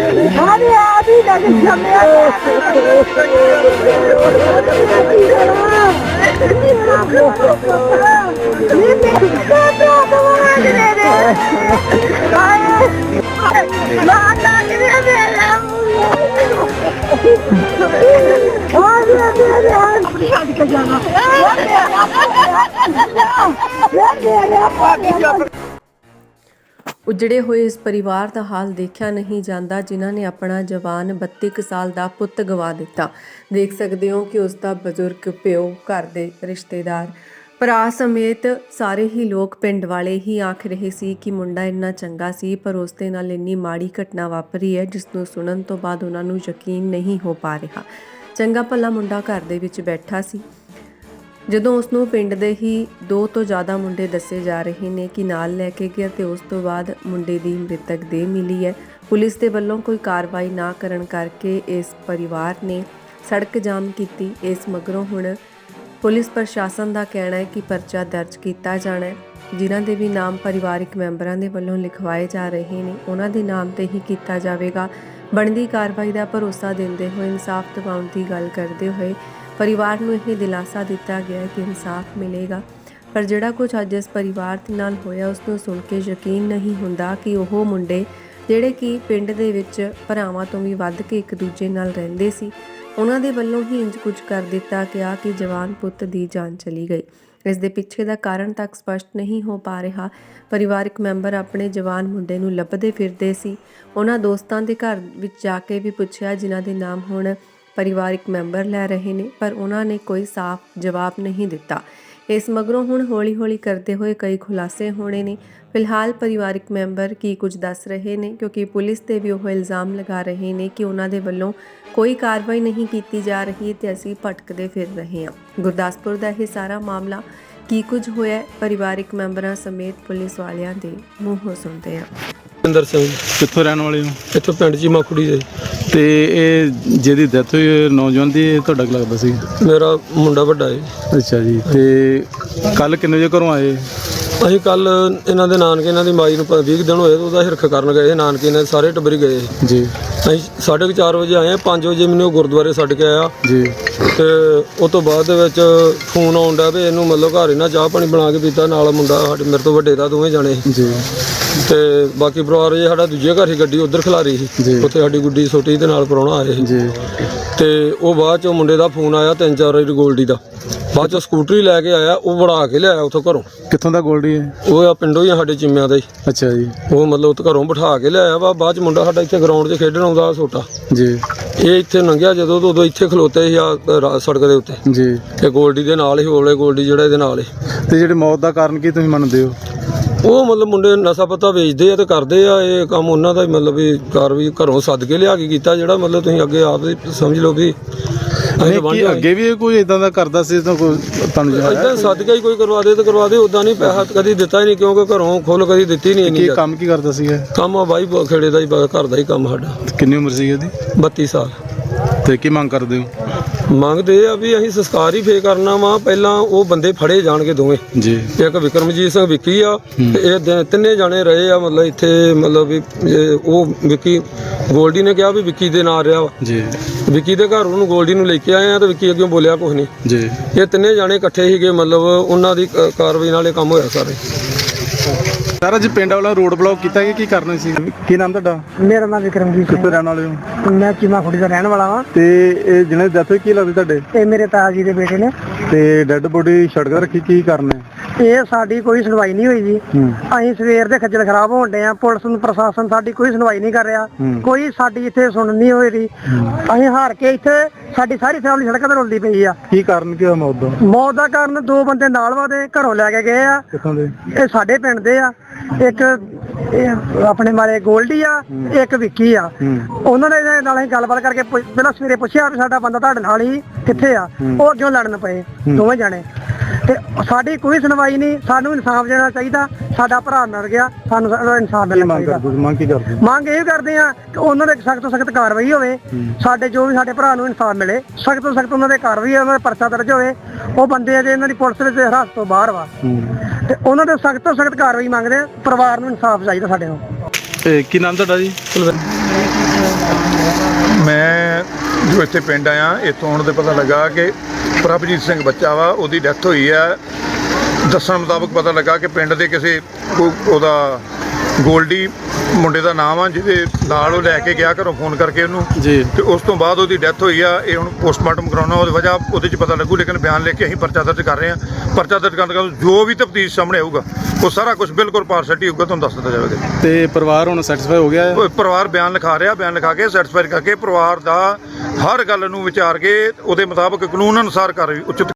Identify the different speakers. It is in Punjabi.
Speaker 1: अरे अभी लगे
Speaker 2: उजड़े हुए इस परिवार का हाल देखा नहीं जाता जिन्हों ने अपना जवान 32 ਕੁ ਸਾਲ ਦਾ ਪੁੱਤ ਗਵਾ ਦਿੱਤਾ। देख सकते हो कि उसका बजुर्ग प्यो, घर के रिश्तेदार, ਭਰਾ ਸਮੇਤ ਸਾਰੇ ਹੀ ਲੋਕ ਪਿੰਡ ਵਾਲੇ ਹੀ ਆਖ ਰਹੇ ਸੀ ਕਿ ਮੁੰਡਾ ਇੰਨਾ ਚੰਗਾ ਸੀ, ਪਰ ਉਸ ਦੇ ਨਾਲ ਇੰਨੀ ਮਾੜੀ ਘਟਨਾ ਵਾਪਰੀ ਹੈ ਜਿਸ ਨੂੰ ਸੁਣਨ ਤੋਂ ਬਾਅਦ ਉਹਨਾਂ ਨੂੰ ਯਕੀਨ ਨਹੀਂ ਹੋ ਪਾ ਰਿਹਾ। ਚੰਗਾ ਭਲਾ ਮੁੰਡਾ ਘਰ ਦੇ ਵਿੱਚ ਬੈਠਾ ਸੀ ਜਦੋਂ ਉਸ ਨੂੰ ਪਿੰਡ ਦੇ ਹੀ 2 ਤੋਂ ਜ਼ਿਆਦਾ ਮੁੰਡੇ ਦੱਸੇ ਜਾ ਰਹੇ ਨੇ ਕਿ ਨਾਲ ਲੈ ਕੇ ਗਿਆ ਤੇ ਉਸ ਤੋਂ ਬਾਅਦ ਮੁੰਡੇ ਦੀ ਮ੍ਰਿਤਕ ਦੇਹ ਮਿਲੀ ਹੈ। ਪੁਲਿਸ ਦੇ ਵੱਲੋਂ ਕੋਈ ਕਾਰਵਾਈ ਨਾ ਕਰਨ ਕਰਕੇ ਇਸ ਪਰਿਵਾਰ ਨੇ ਸੜਕ ਜਾਮ ਕੀਤੀ। ਇਸ ਮਗਰੋਂ ਹੁਣ ਪੁਲਿਸ ਪ੍ਰਸ਼ਾਸਨ ਦਾ ਕਹਿਣਾ ਹੈ ਕਿ ਪਰਚਾ ਦਰਜ ਕੀਤਾ ਜਾਣਾ ਹੈ। ਜਿਨ੍ਹਾਂ ਦੇ ਵੀ ਨਾਮ ਪਰਿਵਾਰਿਕ ਮੈਂਬਰਾਂ ਦੇ ਵੱਲੋਂ ਲਿਖਵਾਏ ਜਾ ਰਹੇ ਨੇ ਉਹਨਾਂ ਦੇ ਨਾਮ ਤੇ ਹੀ ਕੀਤਾ ਜਾਵੇਗਾ। ਬਣਦੀ ਕਾਰਵਾਈ ਦਾ ਭਰੋਸਾ ਦਿੰਦੇ ਹੋਏ ਇਨਸਾਫ ਦਿਵਾਉਣ ਦੀ ਗੱਲ ਕਰਦੇ ਹੋਏ परिवार ਨੂੰ ਇਹ ਦਿਲਾਸਾ ਦਿੱਤਾ ਗਿਆ ਕਿ ਇਨਸਾਫ ਮਿਲੇਗਾ। ਪਰ ਜਿਹੜਾ ਕੁਝ ਅੱਜ ਇਸ ਪਰਿਵਾਰ ਦੇ ਨਾਲ ਹੋਇਆ ਉਸ ਨੂੰ ਸੁਣ ਕੇ ਯਕੀਨ ਨਹੀਂ ਹੁੰਦਾ ਕਿ ਉਹ ਮੁੰਡੇ ਜਿਹੜੇ ਕਿ ਪਿੰਡ ਦੇ ਵਿੱਚ ਭਰਾਵਾਂ ਤੋਂ ਵੀ ਵੱਧ ਕੇ ਇੱਕ ਦੂਜੇ ਨਾਲ ਰਹਿੰਦੇ ਸੀ, ਉਹਨਾਂ ਦੇ ਵੱਲੋਂ ਹੀ ਇੰਜ ਕੁਝ ਕਰ ਦਿੱਤਾ ਗਿਆ ਕਿ ਜਵਾਨ ਪੁੱਤ ਦੀ ਜਾਨ ਚਲੀ ਗਈ। ਇਸ ਦੇ ਪਿੱਛੇ ਦਾ ਕਾਰਨ ਤੱਕ ਸਪਸ਼ਟ ਨਹੀਂ ਹੋ ਪਾ ਰਿਹਾ। ਪਰਿਵਾਰਕ ਮੈਂਬਰ ਆਪਣੇ ਜਵਾਨ ਮੁੰਡੇ ਨੂੰ ਲੱਭਦੇ ਫਿਰਦੇ ਸੀ। ਉਹਨਾਂ ਦੋਸਤਾਂ ਦੇ ਘਰ ਵਿੱਚ ਜਾ ਕੇ ਵੀ ਪੁੱਛਿਆ ਜਿਨ੍ਹਾਂ ਦੇ ਨਾਮ ਹੁਣ ਪਰਿਵਾਰਿਕ ਮੈਂਬਰ ਲੈ ਰਹੇ ਨੇ, ਪਰ ਉਹਨਾਂ ਨੇ ਕੋਈ ਸਾਫ਼ ਜਵਾਬ ਨਹੀਂ ਦਿੱਤਾ। ਇਸ ਮਗਰੋਂ ਹੁਣ ਹੌਲੀ-ਹੌਲੀ ਕਰਦੇ ਹੋਏ ਕਈ ਖੁਲਾਸੇ ਹੋਣੇ ਨੇ। ਫਿਲਹਾਲ ਪਰਿਵਾਰਿਕ ਮੈਂਬਰ ਕੀ ਕੁਝ ਦੱਸ ਰਹੇ ਨੇ, ਕਿਉਂਕਿ ਪੁਲਿਸ ਤੇ ਵੀ ਉਹ ਇਲਜ਼ਾਮ ਲਗਾ ਰਹੇ ਨੇ ਕਿ ਉਹਨਾਂ ਦੇ ਵੱਲੋਂ ਕੋਈ ਕਾਰਵਾਈ ਨਹੀਂ ਕੀਤੀ ਜਾ ਰਹੀ ਤੇ ਅਸੀਂ ਭਟਕਦੇ ਫਿਰ ਰਹੇ ਹਾਂ। ਗੁਰਦਾਸਪੁਰ ਦਾ ਇਹ ਸਾਰਾ ਮਾਮਲਾ ਕੀ ਕੁਝ ਹੋਇਆ ਪਰਿਵਾਰਿਕ ਮੈਂਬਰਾਂ ਸਮੇਤ ਪੁਲਿਸ ਵਾਲਿਆਂ ਦੇ ਮੂੰਹੋਂ ਸੁਣਦੇ ਹਾਂ।
Speaker 3: ਇੰਦਰ ਸਿੰਘ
Speaker 4: ਕਿੱਥੋਂ ਰਹਿਣ ਵਾਲੇ ਹੋ?
Speaker 3: ਇੱਥੋਂ ਪਿੰਡ ਜੀ ਮਾਖੂੜੀ ਦੇ।
Speaker 4: ਤੇ ਇਹ ਜਿਹਦੀ ਡੈਥ ਹੋਈ ਨੌਜਵਾਨ ਦੀ, ਇਹ ਤੁਹਾਡਾ ਕੀ ਲੱਗਦਾ ਸੀ?
Speaker 3: ਮੇਰਾ ਮੁੰਡਾ ਵੱਡਾ ਹੈ।
Speaker 4: ਅੱਛਾ ਜੀ। ਤੇ ਕੱਲ ਕਿੰਨੇ ਵਜੇ ਘਰੋਂ ਆਏ?
Speaker 3: ਅਸੀਂ ਕੱਲ ਇਹਨਾਂ ਦੇ ਨਾਨਕੇ, ਇਹਨਾਂ ਦੀ ਮਾਈ ਨੂੰ 20 ਦਿਨ ਹੋਏ, ਉਹਦਾ ਹਿਰਖ ਕਰਨ ਗਏ ਨਾਨਕੇ, ਇਹਨਾਂ ਸਾਰੇ ਟੱਬਰ ਗਏ
Speaker 4: ਜੀ।
Speaker 3: ਅਸੀਂ 4:30 ਵਜੇ ਆਏ, 5 ਵਜੇ ਮੈਨੂੰ ਉਹ ਗੁਰਦੁਆਰੇ ਛੱਡ ਕੇ ਆਇਆ
Speaker 4: ਜੀ।
Speaker 3: ਤੇ ਉਸ ਤੋਂ ਬਾਅਦ ਦੇ ਵਿੱਚ ਫੋਨ ਆਉਂਦਾ ਵੀ ਇਹਨੂੰ ਮਤਲਬ ਘਰ ਇਹਨਾਂ ਚਾਹ ਪਾਣੀ ਬਣਾ ਕੇ ਪੀਤਾ, ਨਾਲ ਮੁੰਡਾ ਸਾਡੇ ਮੇਰੇ ਤੋਂ ਵੱਡੇ ਦਾ, ਦੋਵੇਂ ਜਾਣੇ
Speaker 4: ਜੀ।
Speaker 3: ਤੇ ਬਾਕੀ ਪਰਿਵਾਰ ਜੇ ਸਾਡਾ ਦੂਜੇ ਘਰ ਹੀ ਗੱਡੀ ਉੱਧਰ ਖਿਲਾਰੀ ਸੀ, ਉੱਥੇ ਸਾਡੀ ਗੁੱਡੀ ਛੋਟੀ ਦੇ ਨਾਲ ਪ੍ਰਾਹੁਣਾ ਆਏ ਸੀ
Speaker 4: ਜੀ।
Speaker 3: ਤੇ ਉਹ ਬਾਅਦ ਚੋਂ ਮੁੰਡੇ ਦਾ ਫੋਨ ਆਇਆ 3-4 ਵਾਰੀ ਗੋਲਡੀ ਦਾ, ਬਾਅਦ ਚੋਂ ਸਕੂਟਰੀ ਲੈ ਕੇ ਆਇਆ, ਉਹ ਵੜਾ ਕੇ ਲਿਆਇਆ ਉੱਥੋਂ ਘਰੋਂ।
Speaker 4: ਕਿੱਥੋਂ ਦਾ ਗੋਲਡੀ ਹੈ?
Speaker 3: ਉਹ ਆ ਪਿੰਡੋਂ ਹੀ ਆ ਸਾਡੇ ਚਿੰਮਿਆਂ ਦਾ ਹੀ।
Speaker 4: ਅੱਛਾ ਜੀ।
Speaker 3: ਉਹ ਮਤਲਬ ਉੱਥੇ ਘਰੋਂ ਬਿਠਾ ਕੇ ਲਿਆਇਆ ਵਾ। ਬਾਅਦ ਚ ਮੁੰਡਾ ਸਾਡਾ ਇੱਥੇ ਗਰਾਊਂਡ 'ਚ ਖੇਡਣ ਆਉਂਦਾ ਛੋਟਾ
Speaker 4: ਜੀ।
Speaker 3: ਇਹ ਇੱਥੇ ਲੰਘਿਆ ਜਦੋਂ ਤੋਂ ਉਦੋਂ ਇੱਥੇ ਖਲੋਤੇ ਸੀ ਆ ਸੜਕ ਦੇ ਉੱਤੇ
Speaker 4: ਜੀ।
Speaker 3: ਤੇ ਗੋਲਡੀ ਦੇ ਨਾਲ ਹੀ ਹੋਲੇ ਗੋਲਡੀ ਜਿਹੜਾ ਇਹਦੇ ਨਾਲ ਹੀ।
Speaker 4: ਤੇ ਜਿਹੜੀ ਮੌਤ ਦਾ ਕਾਰਨ ਕੀ ਤੁਸੀਂ ਮੰਨਦੇ ਹੋ?
Speaker 3: ਉਹ ਮਤਲਬ ਮੁੰਡੇ ਨਸ਼ਾ ਪੱਤਾ ਵੇਚਦੇ ਆ ਤੇ ਕਰਦੇ ਆ, ਇਹ ਕੰਮ ਉਹਨਾਂ ਦਾ ਹੀ ਮਤਲਬ ਵੀ ਕਾਰਵਾਈ ਘਰੋਂ ਸੱਦ ਕੇ ਲਿਆ ਕੇ ਕੀਤਾ, ਜਿਹੜਾ ਮਤਲਬ ਤੁਸੀਂ ਅੱਗੇ ਆਪ ਹੀ ਸਮਝ ਲਓ ਵੀ
Speaker 4: ਅੱਗੇ ਵੀ ਕੋਈ ਇਦਾਂ ਦਾ ਕਰਦਾ ਸੀ ਤਾਂ ਕੋਈ ਤੁਹਾਨੂੰ
Speaker 3: ਇਦਾਂ ਸੱਦ ਕੇ ਹੀ ਕੋਈ ਕਰਵਾ ਦੇ ਤੇ ਕਰਵਾ ਦੇ, ਉਦਾਂ ਨਹੀਂ ਪੈਸਾ ਕਦੀ ਦਿੱਤਾ ਹੀ ਨਹੀਂ, ਕਿਉਂਕਿ ਘਰੋਂ ਖੁੱਲ ਕਦੀ ਦਿੱਤੀ ਨਹੀਂ।
Speaker 4: ਕੀ ਕੰਮ ਕੀ ਕਰਦਾ ਸੀਗਾ?
Speaker 3: ਕੰਮ ਆ ਬਾਈ ਖੇੜੇ ਦਾ ਹੀ, ਘਰ ਦਾ ਹੀ ਕੰਮ ਸਾਡਾ।
Speaker 4: ਕਿੰਨੀ ਉਮਰ ਸੀ ਇਹਦੀ?
Speaker 3: 32 ਸਾਲ।
Speaker 4: ਤੇ ਕੀ ਮੰਗ ਕਰਦੇ ਹੋ?
Speaker 3: ਮੰਗਦੇ ਆ ਵੀ ਅਸੀਂ ਸੰਸਕਾਰ ਹੀ ਫੇਰ ਕਰਨਾ ਵਾ, ਪਹਿਲਾਂ ਉਹ ਬੰਦੇ ਫੜੇ ਜਾਣਗੇ ਦੋਵੇਂ
Speaker 4: ਜੀ।
Speaker 3: ਇੱਕ ਵਿਕਰਮਜੀਤ ਸਿੰਘ ਵਿੱਕੀ ਆ ਤੇ ਇਹ ਤਿੰਨੇ ਜਾਣੇ ਰਹੇ ਆ ਮਤਲਬ ਇੱਥੇ, ਮਤਲਬ ਵੀ ਉਹ ਵਿੱਕੀ ਗੋਲਡੀ ਨੇ ਕਿਹਾ ਵੀ ਵਿੱਕੀ ਦੇ ਨਾਲ ਰਿਹਾ ਵਾ
Speaker 4: ਜੀ।
Speaker 3: ਵਿੱਕੀ ਦੇ ਘਰ ਉਹਨੂੰ ਗੋਲਡੀ ਨੂੰ ਲੈ ਕੇ ਆਏ ਆ ਤੇ ਵਿੱਕੀ ਅੱਗੇ ਬੋਲਿਆ ਕੁਛ ਨਹੀਂ
Speaker 4: ਜੀ।
Speaker 3: ਇਹ ਤਿੰਨੇ ਜਾਣੇ ਇਕੱਠੇ ਸੀਗੇ, ਮਤਲਬ ਉਹਨਾਂ ਦੀ ਕਾਰਵਾਈ ਨਾਲ ਇਹ ਕੰਮ ਹੋਇਆ ਸਾਰੇ।
Speaker 4: ਸਰ ਅੱਜ ਪਿੰਡ ਵਾਲਾ ਰੋਡ ਬਲੌਕ ਕੀਤਾ ਕਿ ਕੀ ਕਰਨਾ ਸੀ? ਕੀ ਨਾਮ ਤੁਹਾਡਾ?
Speaker 1: मेरा नाम विक्रमजीत
Speaker 4: ਕਿੱਥੋਂ ਰਹਿਣ ਵਾਲੇ ਹੋ?
Speaker 1: सिंह, मैं चीमा खुड़ी का रहने वाला हाँ।
Speaker 4: ਤੇ ਇਹ ਜਿਹਨੇ ਡੈਥ ਹੋਈ ਕੀ ਲੱਗਦਾ ਤੁਹਾਡੇ?
Speaker 1: ਇਹ ਮੇਰੇ ਤਾਇਆ ਜੀ ਦੇ ਬੇਟੇ ਨੇ।
Speaker 4: ਤੇ ਡੈੱਡ ਬੋਡੀ ਸੜਕ ਤੇ ਰੱਖੀ, ਕੀ ਕਰਨਾ?
Speaker 1: ਇਹ ਸਾਡੀ ਕੋਈ ਸੁਣਵਾਈ ਨਹੀਂ ਹੋਈ ਜੀ। ਅਸੀਂ ਸਵੇਰ ਦੇ ਖੱਜਲ ਖਰਾਬ ਹੋਣ ਡੇ ਆ, ਪੁਲਿਸ ਨੂੰ ਪ੍ਰਸ਼ਾਸਨ ਸਾਡੀ ਕੋਈ ਸੁਣਵਾਈ ਨਹੀਂ ਕਰ ਰਿਹਾ, ਕੋਈ ਸਾਡੀ ਇੱਥੇ ਸੁਣ ਨਹੀਂ ਹੋਈ ਰਹੀ। ਅਸੀਂ ਹਾਰ ਕੇ ਇੱਥੇ ਸਾਡੀ ਸਾਰੀ ਫੈਮਿਲੀ ਸੜਕਾਂ ਤੇ ਰੁਲਦੀ ਪਈ ਆ।
Speaker 4: ਕੀ ਕਾਰਨ ਕੀ ਹੋਇਆ ਮੌਤ ਦਾ?
Speaker 1: ਮੌਤ ਦਾ ਕਾਰਨ 2 ਬੰਦੇ ਨਾਲ ਵਾਦੇ ਘਰੋਂ ਲੈ ਕੇ ਗਏ ਆ।
Speaker 4: ਕਿੱਥੋਂ ਦੇ?
Speaker 1: ਇਹ ਸਾਡੇ ਪਿੰਡ ਦੇ ਆ। ਇੱਕ ਇਹ ਆਪਣੇ ਮਾਰੇ ਗੋਲਡੀ ਆ, ਇੱਕ ਵਿੱਕੀ ਆ। ਉਹਨਾਂ ਨੇ ਨਾਲ ਅਸੀਂ ਗੱਲਬਾਤ ਕਰਕੇ ਪਹਿਲਾਂ ਸਵੇਰੇ ਪੁੱਛਿਆ ਵੀ ਸਾਡਾ ਬੰਦਾ ਤੁਹਾਡੇ ਨਾਲ ਹੀ ਕਿੱਥੇ ਆ, ਉਹ ਅੱਗੇ ਲੜਨ ਪਏ ਦੋਵੇਂ ਜਾਣੇ। ਤੇ ਸਾਡੀ ਕੋਈ ਸੁਣਵਾਈ ਨਹੀਂ, ਸਾਨੂੰ ਇਨਸਾਫ ਦੇਣਾ ਚਾਹੀਦਾ। ਸਾਡਾ ਭਰਾ ਮਰ ਗਿਆ, ਸਾਨੂੰ ਇਨਸਾਫ ਮਿਲਣਾ ਚਾਹੀਦਾ।
Speaker 4: ਮੰਗ ਕੀ ਕਰਦੇ?
Speaker 1: ਮੰਗ ਇਹ ਕਰਦੇ ਆ ਕਿ ਉਹਨਾਂ ਦੇ ਸਖਤ ਤੋਂ ਸਖਤ ਕਾਰਵਾਈ ਹੋਵੇ, ਸਾਡੇ ਜੋ ਵੀ ਸਾਡੇ ਭਰਾ ਨੂੰ ਇਨਸਾਫ ਮਿਲੇ, ਸਖਤ ਤੋਂ ਸਖਤ ਉਹਨਾਂ ਦੇ ਕਾਰਵਾਈ, ਉਹਨਾਂ ਦੇ ਪਰਚਾ ਦਰਜ ਹੋਵੇ। ਉਹ ਬੰਦੇ ਆ ਜੇ ਇਹਨਾਂ ਦੀ ਪੁਲਿਸ ਵਿੱਚ ਹਿਰਾਸਤ ਤੋਂ ਬਾਹਰ ਵਾ, ਤੇ ਉਹਨਾਂ ਦੇ ਸਖਤ ਤੋਂ ਸਖਤ ਕਾਰਵਾਈ ਮੰਗਦੇ ਆ। ਪਰਿਵਾਰ ਨੂੰ ਇਨਸਾਫ ਚਾਹੀਦਾ ਸਾਡੇ ਨੂੰ।
Speaker 4: ਕੀ ਨਾਮ ਤੁਹਾਡਾ ਜੀ?
Speaker 5: ਮੈਂ ਜੋ ਇੱਥੇ ਪਿੰਡ ਆਇਆ, ਇੱਥੋਂ ਆਉਣ ਤੇ ਪਤਾ ਲੱਗਾ ਕਿ ਪ੍ਰਭਜੀਤ ਸਿੰਘ ਬੱਚਾ ਵਾ, ਉਹਦੀ ਡੈਥ ਹੋਈ ਆ। ਦੱਸਣ ਮੁਤਾਬਕ ਪਤਾ ਲੱਗਾ ਕਿ ਪਿੰਡ ਦੇ ਕਿਸੇ ਉਹਦਾ ਗੋਲਡੀ ਮੁੰਡੇ ਦਾ ਨਾਮ ਆ, ਜਿਹਦੇ ਨਾਲ ਉਹ ਲੈ ਕੇ ਗਿਆ ਘਰੋਂ ਫੋਨ ਕਰਕੇ ਉਹਨੂੰ
Speaker 4: ਜੀ।
Speaker 5: ਤੇ ਉਸ ਤੋਂ ਬਾਅਦ ਉਹਦੀ ਡੈਥ ਹੋਈ ਆ। ਇਹ ਹੁਣ ਪੋਸਟਮਾਰਟਮ ਕਰਾਉਣਾ, ਉਹਦੀ ਵਜ੍ਹਾ ਉਹਦੇ 'ਚ ਪਤਾ ਲੱਗੂ, ਲੇਕਿਨ ਬਿਆਨ ਲਿਖ ਕੇ ਅਸੀਂ ਪਰਚਾ ਦਰਜ ਕਰ ਰਹੇ ਹਾਂ। ਪਰਚਾ ਦਰਜ ਕਰਨ ਤੋਂ ਜੋ ਵੀ ਤਫਤੀਸ਼ ਸਾਹਮਣੇ ਆਊਗਾ ਉਹ ਸਾਰਾ ਕੁਝ ਬਿਲਕੁਲ ਪਾਰਸ਼ੈਲਿਟੀ ਹੋਊਗਾ, ਤੁਹਾਨੂੰ ਦੱਸ ਦਿੱਤਾ ਜਾਵੇਗਾ।
Speaker 4: ਤੇ ਪਰਿਵਾਰ ਹੁਣ ਸੈਟੀਸਫਾਈ ਹੋ ਗਿਆ ਹੈ?
Speaker 5: ਉਹ ਪਰਿਵਾਰ ਬਿਆਨ ਲਿਖਾ ਰਿਹਾ, ਬਿਆਨ ਲਿਖਾ ਕੇ ਸੈਟੀਸਫਾਈ ਕਰਕੇ ਪਰਿਵਾਰ ਦਾ ਹਰ ਗੱਲ ਨੂੰ ਵਿਚਾਰ ਕੇ ਉਹਦੇ ਮੁਤਾਬਕ ਕਾਨੂੰਨ ਅਨੁਸਾਰ ਕਾਰਵਾਈ ਉਚਿਤ